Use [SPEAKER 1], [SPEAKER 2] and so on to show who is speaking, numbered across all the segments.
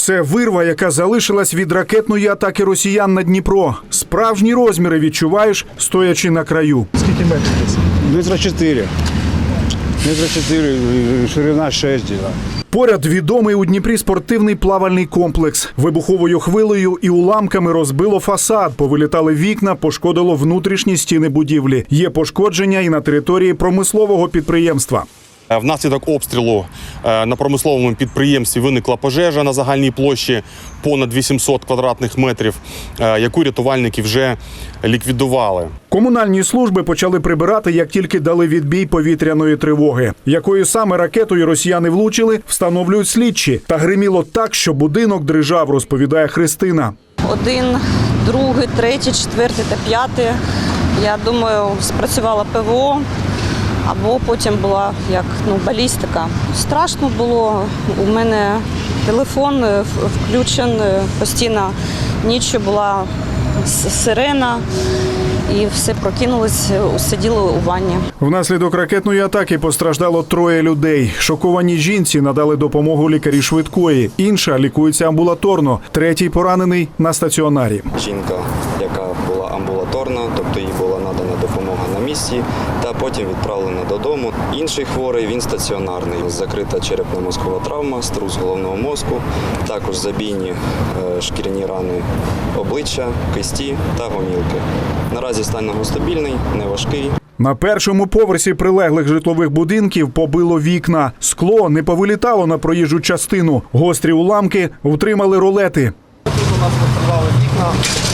[SPEAKER 1] Це вирва, яка залишилась від ракетної атаки росіян на Дніпро. Справжні розміри відчуваєш, стоячи на краю.
[SPEAKER 2] Скільки метрів десь?
[SPEAKER 3] Метра 4. Метра 4, ширина 6. Да.
[SPEAKER 1] Поряд відомий у Дніпрі спортивний плавальний комплекс. Вибуховою хвилею і уламками розбило фасад, повилітали вікна, пошкодило внутрішні стіни будівлі. Є пошкодження і на території промислового підприємства.
[SPEAKER 4] Внаслідок обстрілу на промисловому підприємстві виникла пожежа на загальній площі понад 800 квадратних метрів, яку рятувальники вже ліквідували.
[SPEAKER 1] Комунальні служби почали прибирати, як тільки дали відбій повітряної тривоги. Якою саме ракетою росіяни влучили, встановлюють слідчі. Та гриміло так, що будинок дрижав, розповідає Христина.
[SPEAKER 5] 1, 2, 3, 4 та 5. Я думаю, спрацювала ПВО. Або потім була балістика. Страшно було. У мене телефон включений, постійно ніччю була сирена. І все прокинулись, сиділи у ванні.
[SPEAKER 1] Внаслідок ракетної атаки постраждало 3 людей. Шоковані жінці надали допомогу лікарі швидкої. Інша лікується амбулаторно. 3-й поранений на стаціонарі.
[SPEAKER 6] Жінка, яка була амбулаторна, тобто їй була надана допомога на місці, та потім відправлена додому. Інший хворий, він стаціонарний. Закрита черепно-мозкова травма, струс головного мозку, також забійні шкіряні рани обличчя, кисті та гомілки. Наразі стан його стабільний, неважкий.
[SPEAKER 1] На першому поверсі прилеглих житлових будинків побило вікна. Скло не повилітало на проїжджу частину. Гострі уламки втримали ролети.
[SPEAKER 2] Тут у нас постраждали вікна.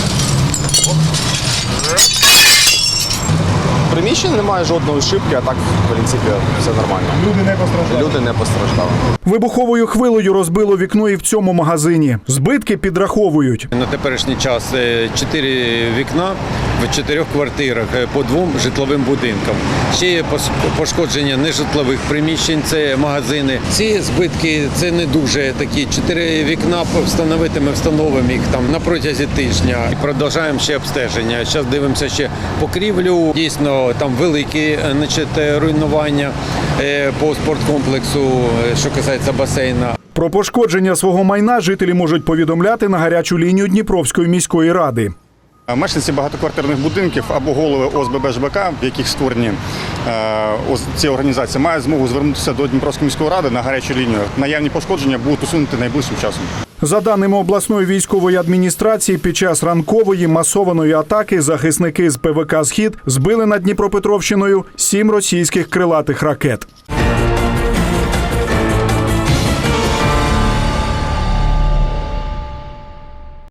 [SPEAKER 2] В приміщенні немає жодної шибки, а так, в принципі, все нормально.
[SPEAKER 1] Люди не постраждали.
[SPEAKER 2] Люди не постраждали.
[SPEAKER 1] Вибуховою хвилею розбило вікно і в цьому магазині. Збитки підраховують.
[SPEAKER 7] На теперішній час 4 вікна в 4 квартирах по 2 житловим будинкам. Ще є пошкодження нежитлових приміщень, це магазини. Ці збитки – це не дуже такі. 4 вікна ми встановимо їх там на протязі тижня. І продовжуємо ще обстеження. Зараз дивимося ще покрівлю. Дійсно, там великі руйнування по спорткомплексу, що касається басейна.
[SPEAKER 1] Про пошкодження свого майна жителі можуть повідомляти на гарячу лінію Дніпровської міської ради.
[SPEAKER 3] Мешканці багатоквартирних будинків або голови ОСББ ЖБК, в яких створені ці організації, мають змогу звернутися до Дніпровської міської ради на гарячу лінію. Наявні пошкодження будуть усунути найближчим часом.
[SPEAKER 1] За даними обласної військової адміністрації, під час ранкової масованої атаки захисники з ПВК «Схід» збили над Дніпропетровщиною 7 російських крилатих ракет.